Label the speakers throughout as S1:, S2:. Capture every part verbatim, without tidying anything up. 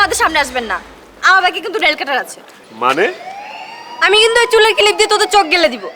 S1: আমাদের সামনে আসবেন না। আমার বাকি কিন্তু নেল কাটার আছে।
S2: মানে
S1: আমি কিন্তু ওই চুলের ক্লিপ দিয়ে তোদের চোখ গেলে দিব।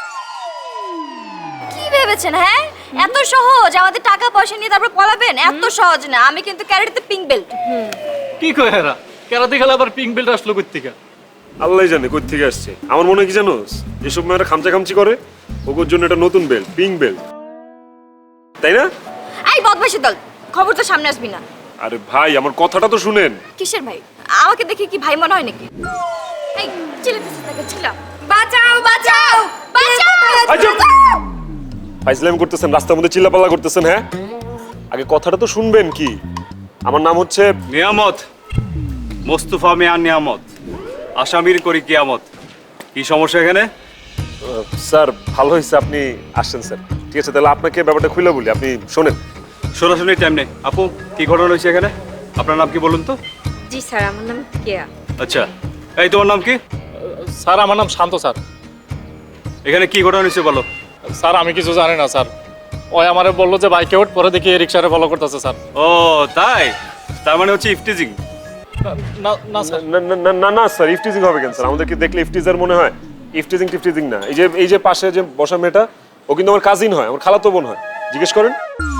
S1: কি ভেবেছেন হ্যাঁ? এত সহজ আমাদের টাকা পয়সা নিয়ে তারপর পলাবেন? এত সহজ না। আমি কিন্তু ক্যারেটে পিঙ্ক বেল্ট।
S3: কি কয় এরা? কেরাতে খেলা আবার পিঙ্ক বেল্ট আসলো কই থেকে?
S2: আল্লাহ জানে কই থেকে আসছে। আমার মনে হয় কি জানোস, এসব মেয়েরা খামচা খামচি করে, ওর জন্য এটা নতুন বেল্ট, পিঙ্ক বেল্ট, তাই না?
S1: এই বদমাশি দল, খবর তো সামনে আসবি না।
S2: আরে ভাই আমার কথাটা তো শুনেন।
S1: কিসের ভাই? আমাকে দেখে কি ভাই মনে হয় নাকি? এই চিল্লাতেছিস না কেন? চিল্লা। বাঁচাও বাঁচাও বাঁচাও।
S2: ফাইজলামি করতেছেন, রাস্তার মধ্যে চিল্লাপাল্লা করতেছেন। হ্যাঁ, আগে কথাটা তো শুনবেন। কি আমার নাম হচ্ছে
S4: নিয়ামত, মোস্তফা মিয়া নিয়ামত, আসামির করি কিয়ামত। কি সমস্যা এখানে?
S2: আহ, স্যার ভালো হয়েছে আপনি আসছেন স্যার। ঠিক আছে, তাহলে আপনাকে ব্যাপারটা খুলে বলি, আপনি শোনেন।
S4: সরাসরি টাইম নেই। আপু, কি ঘটনা হয়েছে এখানে? আপনার নাম কি বলুন তো?
S1: জি স্যার, আমার নাম কেয়া।
S4: আচ্ছা, এই তোমার নাম কি?
S3: স্যার আমার নাম শান্ত স্যার।
S4: এখানে কি ঘটনা হয়েছে বলো।
S3: স্যার আমি কিছু জানি না স্যার। ওই আমারে বললো যে বাইকে ওঠ, পরে দেখি রিক্সারে ফলো করতেছে স্যার।
S4: ও তাই, তার মানে হচ্ছে ইফটিজিং।
S3: না না স্যার।
S2: না না না না না স্যার, ইফটিজিং হবে কেন স্যার? আমাদেরকে দেখলে ইফটিজার মনে হয়? ইফটিজিং টিফটিজিং না। এই যে এই যে পাশে যে বসা মেয়েটা, ও কিন্তু আমার কাজিন হয়, আমার খালাতো বোন হয়। জিজ্ঞেস করেন।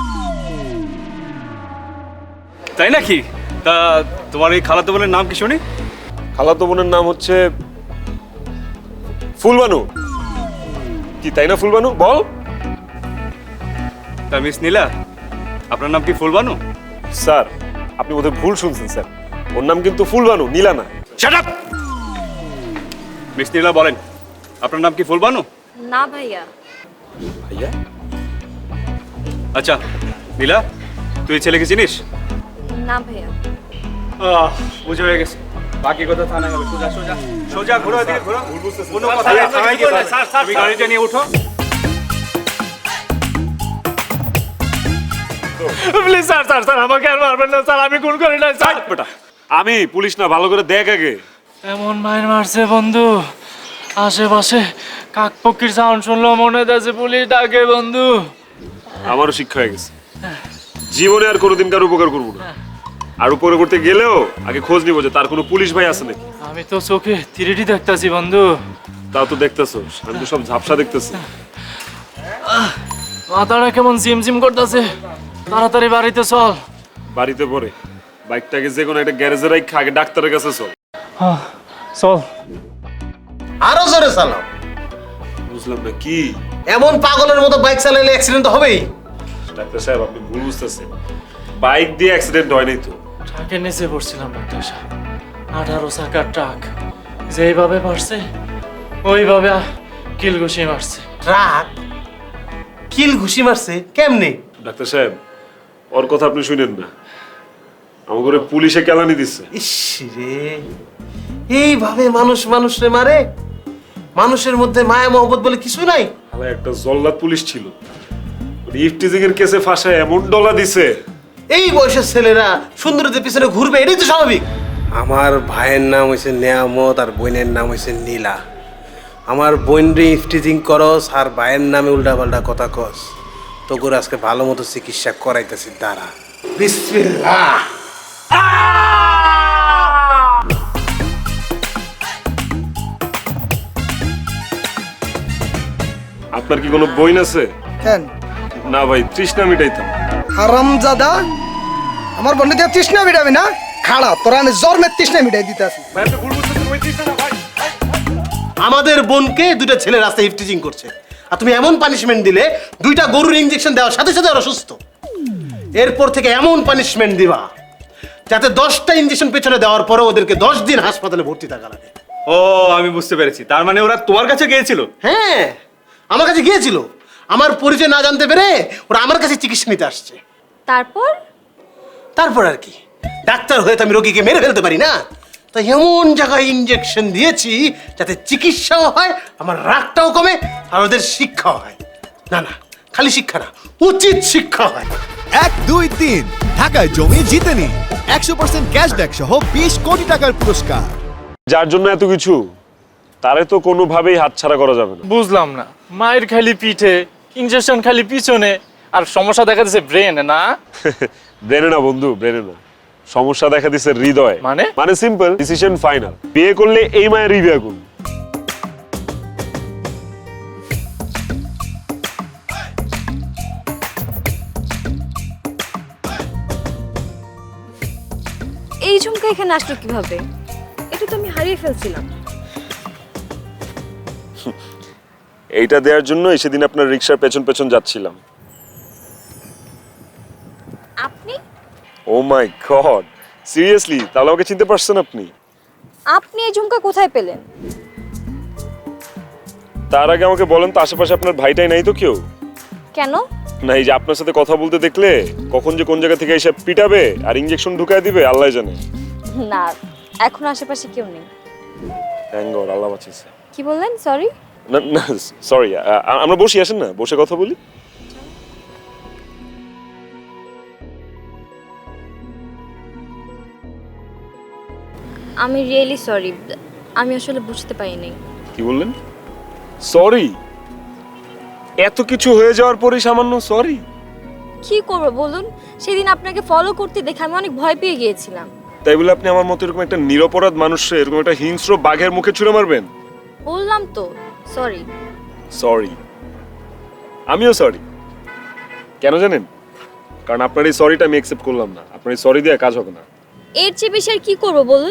S4: তাই নাকি? তা তোমার এই খালাতো বোনের নাম কি শুনি?
S2: খালাতো বোনের নাম হচ্ছে ফুলবানু। কি তাই না ফুলবানু? বল।
S4: তা মিস নীলা, আপনার নাম কি ফুলবানু?
S2: স্যার আপনি বোধহয় ভুল শুনছেন স্যার, ওর নাম কিন্তু ফুলবানু, নীলা না।
S4: Shut up! মিস নীলা বলেন, আপনার নাম কি ফুলবানু?
S1: না ভাইয়া।
S2: ভাইয়া?
S4: আচ্ছা নীলা, তুই এই ছেলেকে চিনিস?
S1: না ভাইয়া।
S4: আহ, বুঝে হয়ে গেছে। বাকি কথা থানায় হবে। সোজা সোজা সোজা ঘোরো, এদিকে ঘোরো। কোনো কথা না, থানায় গিয়ে স্যার স্যার তুমি গাড়িটা নিয়ে উঠো।
S3: প্লিজ স্যার স্যার স্যার আমাকে আর মারবেন না স্যার, আমি খুন করি না স্যার।
S2: বেটা আমি পুলিশ না, ভালো করে দেখ আগে।
S3: এমন মায়ের মারছে বন্ধু, আশেপাশে কাকপক্ষীর সাউন্ড শুনলো মনে হচ্ছে পুলিশ ডাকে বন্ধু।
S2: আমারও শিক্ষা হয়ে গেছে, জীবনে আর কোনোদিন কার উপকার করবো না। আর উপকার করতে গেলেও আগে খোঁজ নিব যে তার কোনো পুলিশ ভাই আছে নাকি।
S3: আমি তো চোখে থ্রিডি দেখতাছি বন্ধু।
S2: তাও তো দেখতেছো, আমি তো সব ঝাপসা দেখতেছি।
S3: মাথাটা কেমন জিমজিম করতেছে, তাড়াতাড়ি বাড়িতে চল।
S2: বাড়িতে পরে বাইকটাকে যে কোনো একটা গ্যারেজে রাখা, আগে ডাক্তারের কাছে চল।
S3: চল।
S5: আরো জোরে চালাও।
S2: বুঝলাম না কি?
S5: এমন পাগলের মতো বাইক চালালে অ্যাক্সিডেন্ট তো হবেই।
S2: ডাক্তার সাহেব আপনি ভুল বুঝতেছেন, বাইক দিয়ে অ্যাক্সিডেন্ট হয় নাই তো।
S3: ট্রাকের নিচে পড়ছিলাম ডাক্তার সাহেব, আঠারো চাকার ট্রাক, যেইভাবে মারছে ওইভাবে কিল ঘুষি মারছে।
S5: ট্রাক কিল ঘুষি মারছে কেমনে?
S2: ডাক্তার সাহেব ওর কথা আপনি শুনেন না, আমাকে পুলিশে কেলানি দিচ্ছে।
S5: ইস রে, এইভাবে মানুষ মানুষরে মারে? মানুষের মধ্যে মায়া মহব্বত বলে কিছু নাই?
S2: শালা একটা জল্লাদ পুলিশ ছিল, ইফটিজিং এর কেসে ফাঁসায় এমন ডলা দিছে।
S5: এই বয়সের ছেলেরা সুন্দরীদের পিছনে ঘুরবে, এটাই তো স্বাভাবিক। আমার ভাইয়ের নাম হয়েছে নিয়ামত আর বোনের নাম হয়েছে নীলা। আমার বোন রে ইফটিজিং করস আর ভাইয়ের নামে উল্টা পাল্টা কথা কস, তোকে আজকে ভালো মতো চিকিৎসা করাইতেছি দাঁড়া। বিসমিল্লাহ।
S2: আপনার কি কোনো বইন আছে?
S6: কেন
S2: না ভাই, তৃষ্ণা মিটাইতাম।
S6: হারামজাদা, আমার বন্ধু দিয়ে তৃষ্ণা মিটাবি না? খাড়া তোরা আমি জন্মের তৃষ্ণা মিটাই দিতে আসি।
S2: ভাই আপনি ভুল বুঝতেছেন, ওই তৃষ্ণা না ভাই।
S5: আমাদের বোনকে দুইটা ছেলে রাস্তায় ইফটিজিং করছে, আর তুমি এমন পানিশমেন্ট দিলে দুইটা গরুর ইনজেকশন দেওয়ার সাথে সাথে ওরা সুস্থ। এরপর থেকে এমন পানিশমেন্ট দিবা যাতে দশটা ইনজেকশন পেছনে দেওয়ার পরে ওদেরকে দশ দিন হাসপাতালে ভর্তি থাকা লাগে।
S4: ও আমি বুঝতে পেরেছি, তার মানে ওরা তোমার কাছে গিয়েছিল?
S5: হ্যাঁ, আমার কাছে গিয়েছিল। আমার পরিচয় না জানতে পেরে ওরা আমার কাছে চিকিৎসা নিতে আসছে।
S1: তারপর
S5: তারপর আর কি, ডাক্তার হয়ে তো আমি রোগীকে মেরে ফেলতে পারি না, তাই এমন জায়গায় ইনজেকশন দিয়েছি যাতে চিকিৎসাও হয়, আমার রাগটাও কমে, আর ওদের শিক্ষাও হয়। না না, খালি শিক্ষা না, উচিত শিক্ষা হয়।
S7: এক দুই তিন ঢাকায় জমি জিতে নিন একশো পার্সেন্ট ক্যাশব্যাক সহ বিশ কোটি টাকার পুরস্কার।
S2: যার জন্য এত কিছু, তারে তো কোনোভাবেই হাতছাড়া করা যাবে না।
S3: বুঝলাম না, মায়ের খালি পিঠে, ইনজেকশন খালি পিছনে, আর সমস্যা দেখা যাচ্ছে ব্রেনে না?
S2: ব্রেনে না বন্ধু, ব্রেনে না, সমস্যা দেখা দিছে হৃদয়।
S3: মানে?
S2: মানে সিম্পল, ডিসিশন ফাইনাল। বিয়ে করলে এই মায়ের রিবিয়া করুন।
S1: এই ঝুমকা এখানে আসলো কিভাবে? এটা তো আমি হারিয়ে ফেলছিলাম।
S2: এইটা দেওয়ার জন্য সেদিন আপনার রিক্সার পেছন পেছন যাচ্ছিলাম।
S1: আপনি
S2: ও মাই গড, সিরিয়াসলি? তাহলে আমাকে চিনতে পারছেন আপনি?
S1: আপনি এই ঝুমকা কোথায় পেলেন?
S2: তার আগে আমাকে বলেন তো, আশেপাশে আপনার ভাইটাই নাই তো কেউ?
S1: কেন?
S2: না, এই যে আপনার সাথে কথা বলতে দেখলে কখন যে কোন জায়গা থেকে এসে পিটাবে আর ইনজেকশন ঢুকায় দিবে আল্লাহ জানে।
S1: না, এখন আশেপাশে কেউ নেই।
S2: থ্যাঙ্ক গড, আল্লাহ বাঁচিয়েছে।
S1: কি বললেন? সরি।
S2: না না সরি, আমরা বসি, আসেন না, বসে কথা বলি।
S1: আমি রিয়েলি সরি, আমি আসলে বুঝতে পারিনি।
S2: কি বললেন? সরি? এত কিছু হয়ে যাওয়ার পরে সামান্য সরি?
S1: কি করবো বলুন, সেদিন আপনাকে ফলো করতে দেখে আমি অনেক ভয় পেয়ে গিয়েছিলাম।
S2: তাই বলে আপনি আমার মতো এরকম একটা নিরপরাধ মানুষকে এরকম একটা হিংস্র বাঘের মুখে ছুঁড়ে মারবেন?
S1: বললাম তো সরি।
S2: সরি? আমিও সরি। কেন জানেন? কারণ আপনার এই সরিটা আমি অ্যাকসেপ্ট করলাম না। আপনার এই সরি দিয়ে কাজ হবে না।
S1: এর চেয়ে বেশি আর কি করবো বলুন?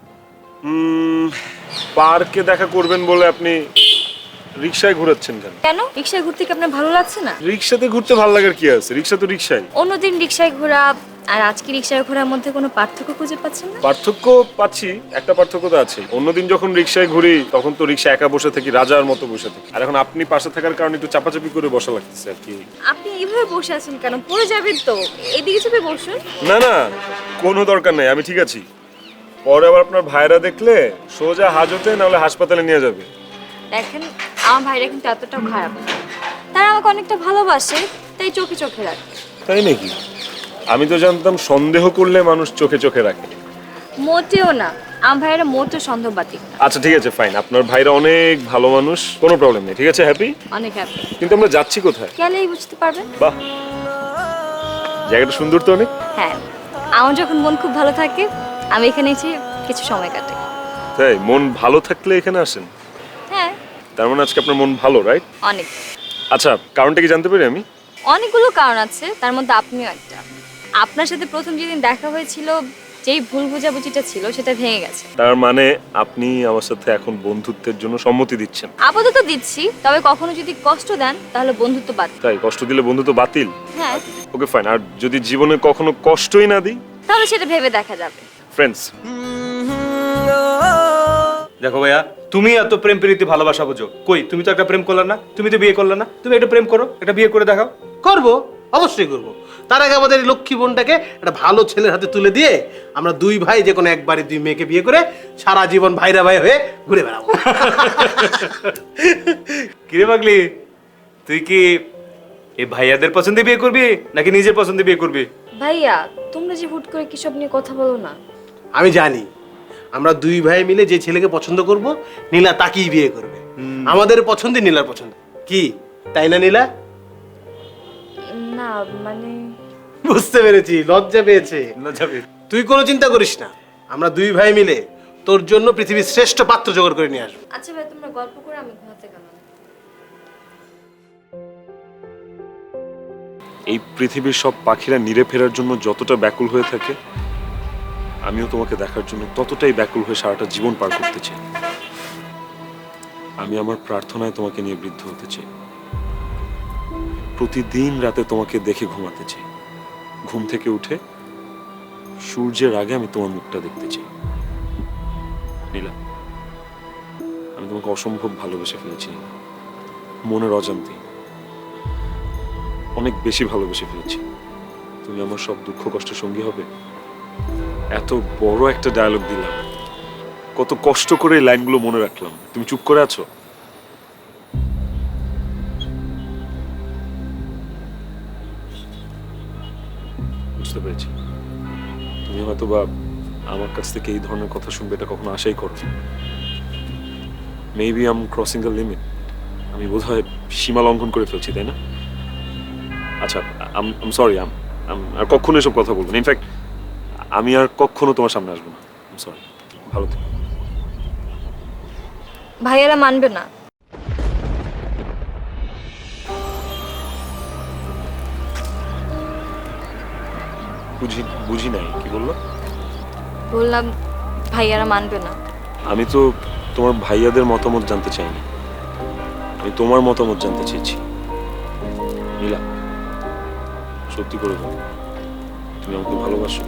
S2: হুম, পার্কে দেখা করবেন বলে আপনি রিকশায় ঘোরাচ্ছেন কেন?
S1: কেন? রিক্সায় ঘুরতে কি আপনার ভালো লাগছে না?
S2: রিকশাতে ঘুরতে ভালো লাগার কি আছে? রিকশা তো রিকশাই।
S1: অন্যদিন রিক্সায় ঘোরা আর আজকে রিক্সায় ঘোরার মধ্যে কোনো পার্থক্য খুঁজে পাচ্ছেন না?
S2: পার্থক্য পাচ্ছি, একটা পার্থক্য তো আছে। অন্যদিন যখন রিকশায় ঘুরি তখন তো রিকশা একা বসে থাকি, রাজার মতো বসে থাকি। আর এখন আপনি পাশে থাকার কারণে একটু চাপাচাপি করে বসা লাগতেছে আর কি।
S1: আপনি এইভাবে বসে আছেন কেন? পড়ে যাবেন তো। এদিকে চেপে বসুন।
S2: না না, কোনো দরকার নাই, আমি ঠিক আছি। পরে আবার আপনার ভাইরা দেখলে সোজা হাজতে না হলে হাসপাতালে নিয়ে যাবে।
S1: দেখেন, আমার ভাইরা কিন্তু এতটাও খারাপ না। তারা আমাকে অনেকটা ভালোবাসে, তাই চোখে চোখে রাখে।
S2: তাই নাকি? আমি তো জানতাম সন্দেহ করলে মানুষ চোখে চোখে রাখে।
S1: মোটেও না, আমার ভাইরা মোটেও সন্দেহবাদী না।
S2: আচ্ছা ঠিক আছে, ফাইন। আপনার ভাইরা অনেক ভালো মানুষ, কোনো প্রবলেম নেই, ঠিক আছে, হ্যাপি।
S1: অনেক হ্যাপি।
S2: কিন্তু আমরা যাচ্ছি কোথায়?
S1: গেলেই বুঝতে পারবেন।
S2: বাহ, জায়গাটা সুন্দর তো অনেক।
S1: হ্যাঁ, আমার যখন মন খুব ভালো থাকে আমি এখানে এসে কিছু সময় কাটাই।
S2: তাই? মন ভালো থাকলে এখানে আসেন?
S1: হ্যাঁ,
S2: তার মানে আজকে আপনার মন ভালো, রাইট?
S1: অনেক।
S2: আচ্ছা, কারণটা কি জানতে পারি আমি?
S1: অনেকগুলো কারণ আছে, তার মধ্যে আপনিও একটা। আপনার সাথে প্রথম যেদিন দেখা হয়েছিল, যেই ভুল বোঝাবুঝিটা ছিল সেটা ভেঙে গেছে।
S2: তার মানে আপনি আমার সাথে এখন বন্ধুত্বের জন্য সম্মতি দিচ্ছেন?
S1: আপাতত দিচ্ছি, তবে কখনো যদি কষ্ট দেন তাহলে বন্ধুত্ব বাদ।
S2: তাই? কষ্ট দিলে বন্ধুত্ব বাতিল?
S1: হ্যাঁ।
S2: Okay fine. আর যদি জীবনে কখনো কষ্টই না দিই?
S1: তাহলে সেটা ভেবে দেখা যাবে।
S2: ফ্রেন্ডস।
S4: দেখো ভাইয়া, তুমি এত প্রেম প্রীতি ভালোবাসা বুঝো, কই তুমি তো একটা প্রেম করলে না, তুমি তো বিয়ে করলে না, তুমি একটা প্রেম করো, একটা বিয়ে করে দেখাও।
S5: করবো, অবশ্যই করবো। তার আগে আমাদের এই লক্ষ্মী বোনটাকে একটা ভালো ছেলের হাতে তুলে দিয়ে আমরা দুই ভাই যে কোনো একবারে দুই মেয়েকে বিয়ে করে সারা জীবন ভাইরা ভাই হয়ে ঘুরে বেড়াবো।
S4: কিরে পাগলি, তুই কি এই ভাইয়াদের পছন্দে বিয়ে করবি নাকি নিজের পছন্দে বিয়ে করবি?
S1: ভাইয়া, তোমরা যে হুট করে কিসব নিয়ে কথা বলো না।
S5: আমি জানি আমরা দুই ভাই মিলে যে ছেলেকে পছন্দ করব, নীলা তাকেই বিয়ে করবে। আমাদের পছন্দই নীলার পছন্দ, কি তাই না নীলা?
S1: না মানে
S5: বুঝতে পেরেছি, লজ্জা পেয়েছে।
S4: লজ্জা পেয়ে
S5: তুই কোনো চিন্তা করিস না, আমরা দুই ভাই মিলে তোর জন্য পৃথিবীর শ্রেষ্ঠ পাত্র জোগাড় করে নিয়ে আসবো।
S1: আচ্ছা ভাই, তোমরা গল্প করে, আমি ঘুমাতে গেলাম।
S2: এই পৃথিবীর সব পাখিরা নিরে ফেরার জন্য যতটা ব্যাকুল হয়ে থাকে, আমিও তোমাকে দেখার জন্য ততটাই ব্যাকুল হয়ে সারাটা জীবন পার করতে চাই। আমি আমার প্রার্থনায় তোমাকে নিয়ে বৃদ্ধ হতে চাই। প্রতিদিন রাতে তোমাকে দেখে ঘুমাতে চাই। ঘুম থেকে উঠে সূর্যের আগে আমি তোমার মুখটা দেখতে চাই। নীলা, আমি তোমাকে অসম্ভব ভালোবেসে ফেলেছি। মনের অজান্তে অনেক বেশি ভালোবেসে ফেলেছি। তুমি আমার সব দুঃখ কষ্টের সঙ্গী হবে। এত বড় একটা ডায়লগ দিলাম, কত কষ্ট করে এই লাইনগুলো মনে রাখলাম, তুমি চুপ করে আছো। বুঝতে পেরেছি, তুমি হয়তো বা আমার কাছ থেকে এই ধরনের কথা শুনবে এটা কখনো আশাই করো। Maybe I am crossing the limit. আমি বোধহয় সীমা লঙ্ঘন করে ফেলছি, তাই না? আচ্ছা, আম সরি, আম আর কখনো এসব কথা বলবো না। ইনফ্যাক্ট আমি আর কখনো তোমার সামনে আসবো না। সরি, ভালো থেকো।
S1: ভাইয়ারা মানবে না।
S2: বুঝি বুঝি নাই, কি বললো?
S1: বললাম ভাইয়ারা মানবে না।
S2: আমি তো তোমার ভাইয়াদের মতামত জানতে চাইনি, আমি তোমার মতামত জানতে চেয়েছি। নীলা, সত্যি করে বলো, তুমি আমাকে ভালোবাসো?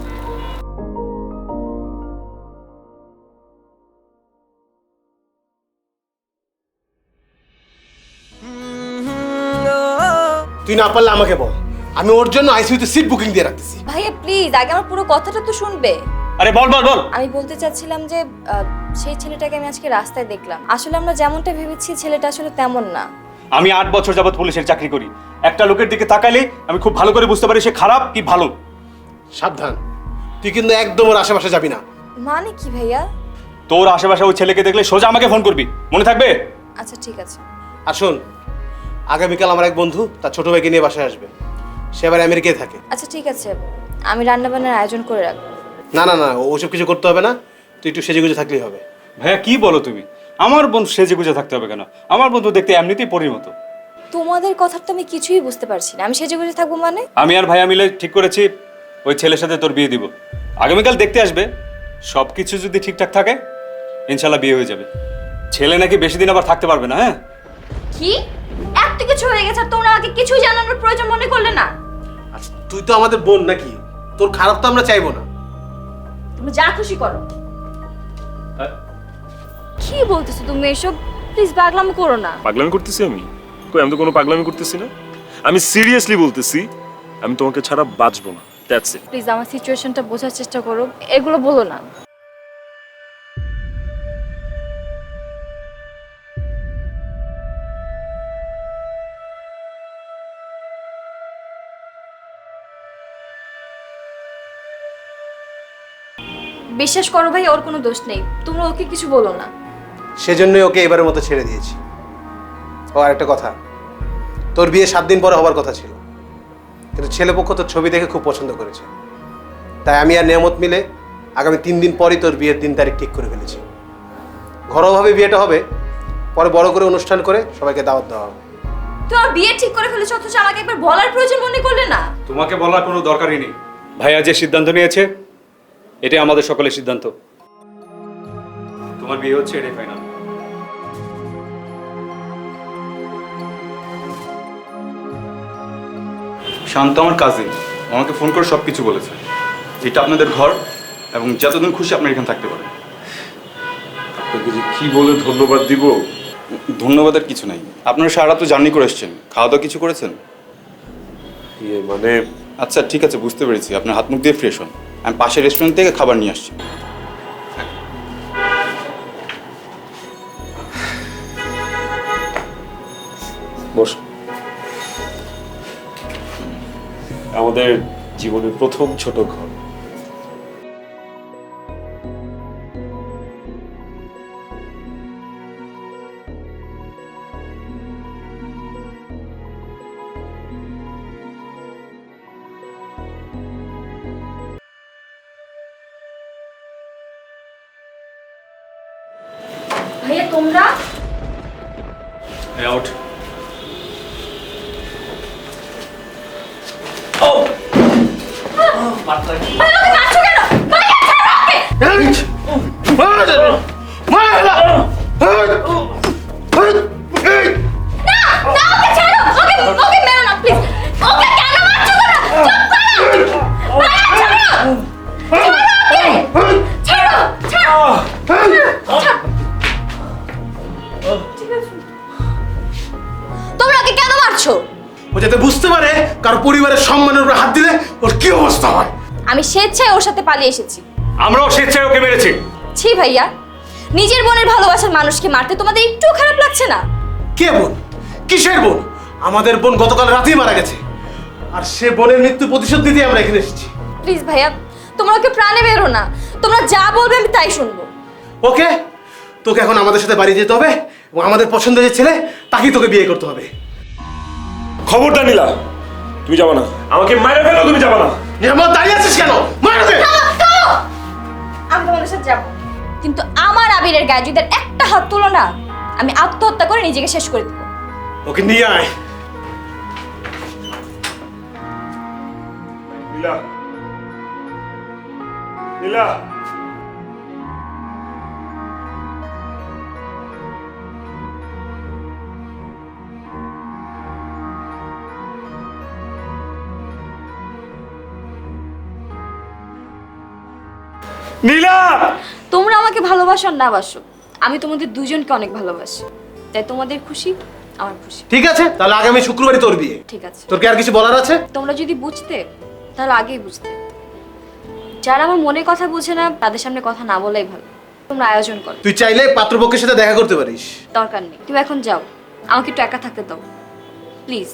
S5: তুই না পারলে আমাকে বল, আমি ওর জন্য আইসিইউতে সিট বুকিং দিয়ে রাখতেছি।
S1: ভাইয়া প্লিজ আগে আমার পুরো কথাটা তো শুনবে।
S4: আরে বল বল বল।
S1: আমি বলতে চাচ্ছিলাম যে আহ, সেই ছেলেটাকে আমি আজকে রাস্তায় দেখলাম। আসলে আমরা যেমনটা ভেবেছি ছেলেটা আসলে তেমন না।
S4: আমি আট বছর যাবত পুলিশের চাকরি করি, একটা লোকের দিকে তাকাইলে আমি খুব ভালো করে বুঝতে পারি সে খারাপ কি ভালো।
S5: সাবধান, তুই কিন্তু একদম ওর আশেপাশে যাবি না।
S1: মানে কি ভাইয়া?
S4: তোর আশেপাশে ওই ছেলেকে দেখলে সোজা আমাকে ফোন করবি, মনে থাকবে?
S1: আচ্ছা ঠিক আছে।
S5: আর শোন, আগামীকাল আমার এক বন্ধু তার ছোট ভাইকে নিয়ে বাসায় আসবে, সে আবার আমেরিকায় থাকে।
S1: আচ্ছা ঠিক আছে, আমি রান্না বান্নার আয়োজন করে রাখবো।
S5: না না না, ওসব কিছু করতে হবে না, তুই একটু সেজে গুজে থাকলেই হবে।
S4: ভাইয়া কি বলো তুমি? আমার বন্ধু সেজে গুজে থাকতে হবে কেন? আমার বন্ধু দেখতে এমনিতেই পরির মতো।
S1: তোমাদের কথা তো আমি কিছুই বুঝতে পারছি না। আমি সেজে গুজে থাকবো মানে?
S4: আমি আর ভাইয়া মিলে ঠিক করেছি ওই ছেলের সাথে তোর বিয়ে দিব। আগামীকাল দেখতে আসবে, সব কিছু যদি ঠিকঠাক থাকে ইনশাল্লাহ বিয়ে হয়ে যাবে। ছেলে নাকি বেশি দিন আবার থাকতে পারবে না। হ্যাঁ
S1: কি এত কিছু হয়ে গেছে আর তোমরা আমাকে কিছুই জানানোর প্রয়োজন মনে করলে না?
S5: আচ্ছা তুই তো আমাদের বোন নাকি, তোর খারাপ তো আমরা চাইবো না।
S1: তুমি যা খুশি করো। কি বলতেছো তুমি এসব? প্লিজ পাগলামি করো না।
S2: পাগলামি করতেছি আমি? কই, আমি তো কোনো পাগলামি করতেছি না। আমি সিরিয়াসলি বলতেছি, আমি তোমাকে ছাড়া বাঁচবো না। That's it.
S1: প্লিজ আমার সিচুয়েশনটা বোঝার চেষ্টা করো, এগুলো বলো না। বিশ্বাস করো ভাই, ওর কোনো দোষ নেই। তোমরা ওকে কিছু বলো না।
S5: সেজন্যই ওকে এবারের মতো ছেড়ে দিয়েছি। ও আর একটা কথা, তোর বিয়ে সাত দিন পরে হবার কথা ছিল, কিন্তু ছেলেপক্ষ তোর ছবি দেখে খুব পছন্দ করেছে, তাই আমি আর নিয়ামত মিলে আগামী তিন দিন পরই তোর বিয়ের দিন তারিখ ঠিক করে ফেলেছি। ঘরোয়াভাবে বিয়েটা হবে, পরে বড় করে অনুষ্ঠান করে সবাইকে দাওয়াত দেওয়া হবে।
S1: তোমার বিয়ে ঠিক করে ফেলেছো অথচ আমাকে একবার বলার প্রয়োজন মনে করলে না?
S4: তোমাকে বলার কোনো দরকারই নেই। ভাইয়া যে সিদ্ধান্ত নিয়েছে এটাই আমাদের সকলের সিদ্ধান্ত। তোমার বিয়ে হচ্ছে, এটাই ফাইনাল।
S8: শান্ত আমার কাজিন, আমাকে ফোন করে সব কিছু বলেছে। এটা আপনাদের ঘর এবং যতদিন খুশি আপনি এখানে থাকতে পারেন।
S2: আপনাকে যে কি বলে ধন্যবাদ দিব।
S8: ধন্যবাদের কিছু নাই, আপনারা সারা তো জার্নি করে এসছেন, খাওয়া দাওয়া কিছু করেছেন?
S2: ইয়ে মানে
S8: আচ্ছা ঠিক আছে, বুঝতে পেরেছি। আপনার হাত মুখ দিয়ে ফ্রেশ হন, আমি পাশের রেস্টুরেন্ট থেকে খাবার নিয়ে আসছি।
S2: বস। আমাদের জীবনের প্রথম ছোট ঘর।
S1: ভাইয়া তোমরা
S4: আউট।
S1: তোমরা ওকে কেন মারছো?
S5: ও যাতে বুঝতে পারে কারো পরিবারের সম্মানের উপর হাত দিলে ওর কি অবস্থা হয়।
S1: আমি স্বেচ্ছায় ওর সাথে পালিয়ে এসেছি।
S4: আমরাও স্বেচ্ছায় ওকে মেরেছি।
S1: ছি ভাইয়া, নিজের বোনের ভালোবাসার মানুষকে মারতে তোমাদের একটু খারাপ লাগছে না?
S5: কে বোন? কিসের বোন? আমাদের বোন গতকাল রাতেই মারা গেছে, আর সে বোনের মৃত্যু প্রতিশোধ দিতে আমরা এখানে এসেছি।
S1: প্লিজ ভাইয়া, তোমরা ওকে প্রাণে বেরো না। তোমরা যা বলবে আমি তাই শুনবো।
S5: ওকে, তোকে এখন আমাদের সাথে বাড়ি যেতে হবে এবং আমাদের পছন্দের যে ছেলে তাকেই তোকে বিয়ে করতে হবে।
S2: খবরটা নিলা, তুমি যাবা না। আমাকে মাইরা ফেলো, তুমি যাবা না।
S5: নিরামত দাঁড়িয়ে আছিস কেন? মার দে।
S1: থামো, থামো সাথে যাব, কিন্তু আমার আবিরের গায়ে যদি আর একটা হাত তুলো না, আমি আত্মহত্যা করে নিজেকে শেষ করে দেবো।
S5: ওকে নিয়ে আয়।
S2: নীলা নীলা নীলা
S1: তোমরা আমাকে ভালোবাসো আর না বাসো, আমি তোমাদের দুজনকে অনেক ভালোবাসি, তাই তোমাদের খুশি আমার খুশি।
S5: ঠিক আছে, তাহলে আগামী শুক্রবারই তোর বিয়ে।
S1: ঠিক আছে,
S5: তোর কি আর কিছু বলার আছে?
S1: তোমরা যদি বুঝতে তাহলে আগেই বুঝতে। যারা আমার মনের কথা বুঝে না তাদের সামনে কথা না বলাই ভালো। তোমরা আয়োজন করো,
S5: তুই চাইলে পাত্রপক্ষের সাথে দেখা করতে পারিস।
S1: দরকার নেই, তুমি এখন যাও, আমাকে একটু একা থাকতে দাও প্লিজ।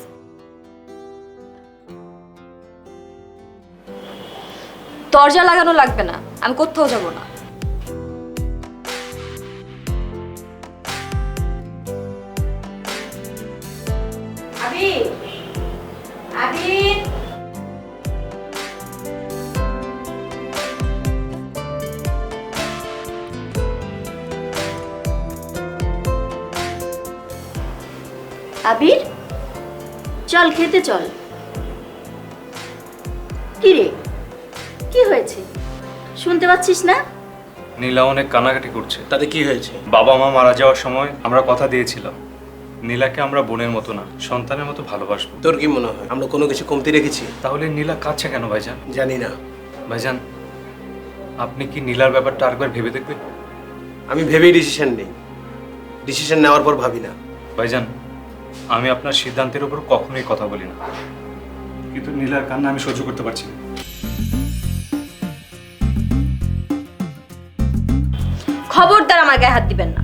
S1: দরজা লাগানো লাগবে না, আমি কোথাও যাব না। আবির, আবির,
S9: আবির, চল খেতে চল। কি রে, কি হয়েছে শুনতে পাচ্ছিস না?
S4: নীলা অনেক কান্নাকাটি করছে।
S5: তাতে কি হয়েছে?
S4: বাবা মা মারা যাওয়ার সময় আমরা কথা দিয়েছিলাম নীলাকে আমরা বোনের মতো না সন্তানের মতো ভালোবাসবো।
S5: তোর কি মনে হয় আমরা কোনো কিছু কমতি রেখেছি?
S4: তাহলে নীলা কাঁদছে কেন ভাইজান?
S5: জানি না।
S4: ভাইজান, আপনি কি নীলার ব্যাপারটা আরেকবার ভেবে দেখবেন?
S5: আমি ভেবেই ডিসিশন নেই, ডিসিশন নেওয়ার পর ভাবি না।
S4: ভাইজান, আমি আপনার সিদ্ধান্তের উপর কখনোই কথা বলি না, কিন্তু নীলার কান্না আমি সহ্য করতে পারছি না।
S1: খবরদার আমার গায়ে হাত দিবেন না।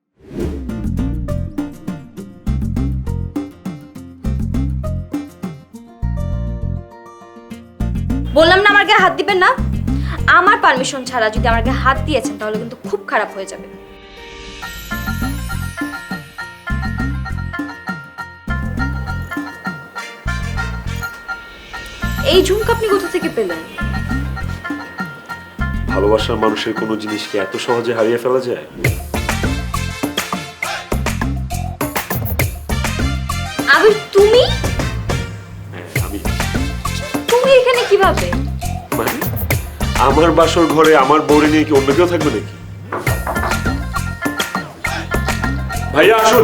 S1: বললাম না আমার গায়ে হাত দিবেন না। আমার পারমিশন ছাড়া যদি আমার গায়ে হাত দিয়েছেন তাহলে কিন্তু খুব খারাপ হয়ে যাবে। এই ঝুমকা আপনি কোথা থেকে পেলেন?
S2: ভালোবাসার মানুষের কোনো জিনিসকে এত সহজে হারিয়ে ফেলা যায়?
S1: আবির, তুমি
S2: হ্যাঁ, আমি।
S1: তুমি এখানে কিভাবে?
S2: মানে আমার বাসর ঘরে আমার বউরে নিয়ে কি অন্য কেউ থাকবে নাকি? ভাইয়া আসুন।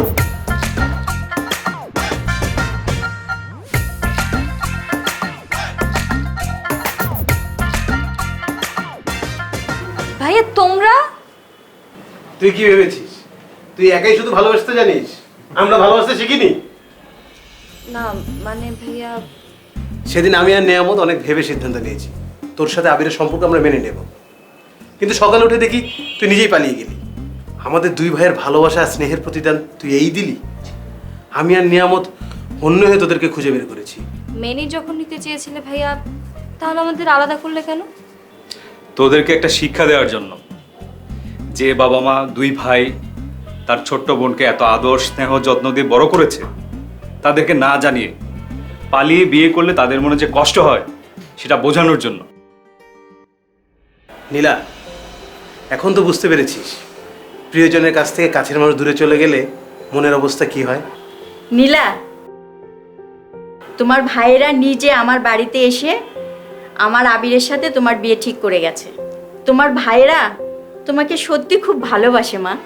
S1: ভাইয়া তোমরা?
S5: তুই কি ভেবেছিস তুই একাই শুধু ভালোবাসতে জানিস? আমরা ভালোবাসতে শিখিনি?
S1: না মানে ভাইয়া,
S5: সেদিন আমি আর নেয়ামত অনেক ভেবে সিদ্ধান্ত নিয়েছি তোর সাথে আবিরের সম্পর্ক আমরা মেনে নেব, কিন্তু সকালে উঠে দেখি তুই নিজেই পালিয়ে গেলি। আমাদের দুই ভাইয়ের ভালোবাসা আর স্নেহের প্রতিদান তুই এই দিলি। আমি আর নিয়ামত অন্য হয়ে তোদেরকে খুঁজে বের করেছি।
S1: মেনে যখন নিতে চেয়েছিলে ভাইয়া, তাহলে আমাদের আলাদা করলে কেন?
S4: তোদেরকে একটা শিক্ষা দেওয়ার জন্য। যে বাবা মা দুই ভাই তার ছোট্ট বোনকে এত আদর স্নেহ যত্ন দিয়ে বড় করেছে, তাদেরকে না জানিয়ে পালিয়ে বিয়ে করলে তাদের মনে যে কষ্ট হয় সেটা বোঝানোর জন্য।
S5: নীলা, এখন তো বুঝতে পেরেছিস প্রিয়জনের কাছ থেকে কাছের মানুষ দূরে চলে গেলে মনের অবস্থা কি হয়।
S9: নীলা, তোমার ভাইয়েরা নিজে আমার বাড়িতে এসে আমার আবিরের সাথে তোমার বিয়ে ঠিক করে গেছে। তোমার ভাইয়েরা তোমাকে সত্যি খুব ভালোবাসে মা।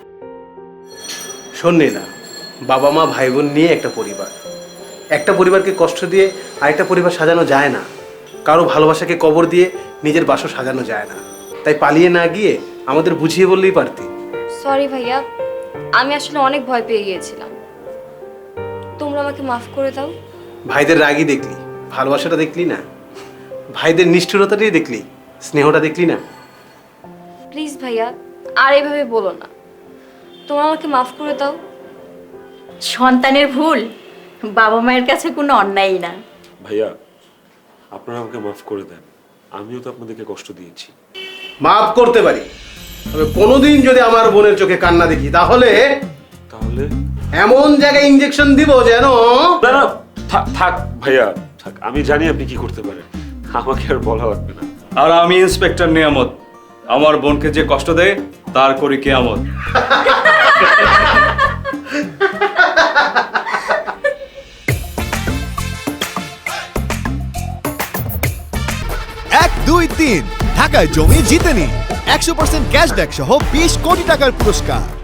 S5: শোন নীলা, বাবা মা ভাই বোন নিয়ে একটা পরিবার, একটা পরিবারকে কষ্ট দিয়ে আরেকটা পরিবার সাজানো যায় না। কারো ভালোবাসাকে কবর দিয়ে নিজের বাসও সাজানো যায় না। তাই পালিয়ে না গিয়ে আমাদের বুঝিয়ে বললেই পারতি।
S1: সরি ভাইয়া, আমি আসলে অনেক ভয় পেয়ে গিয়েছিলাম, তোমরা আমাকে মাফ করে দাও।
S5: ভাইদের রাগই দেখলি, ভালোবাসাটা দেখলি না। ভাইদের নিষ্ঠুরতাটাই দেখলি, স্নেহটা দেখলি না।
S1: প্লিজ ভাইয়া, আর এভাবে বলো না, তোমরা আমাকে মাফ করে দাও।
S9: সন্তানের ভুল বাবা মায়ের কাছে কোনো অন্যায়ই না।
S2: ভাইয়া, আপনারা আমাকে মাফ করে দেন, আমিও তো আপনাদেরকে কষ্ট দিয়েছি।
S5: মাফ করতে পারি, তবে কোনোদিন যদি আমার বোনের চোখে কান্না দেখি তাহলে
S2: তাহলে
S5: এমন জায়গায় ইনজেকশন দিব যেন।
S2: না না, থাক থাক ভাইয়া থাক, আমি জানি আপনি কি করতে পারেন, আমাকে আর বলা লাগবে না।
S4: আর আমি ইন্সপেক্টর নিয়ামত, আমার বোনকে যে কষ্ট দেয় তার করি কিয়ামত।
S7: এক দুই তিন ঢাকায় জমি জিতে নিন একশো পার্সেন্ট ক্যাশব্যাক সহ বিশ কোটি টাকার পুরস্কার।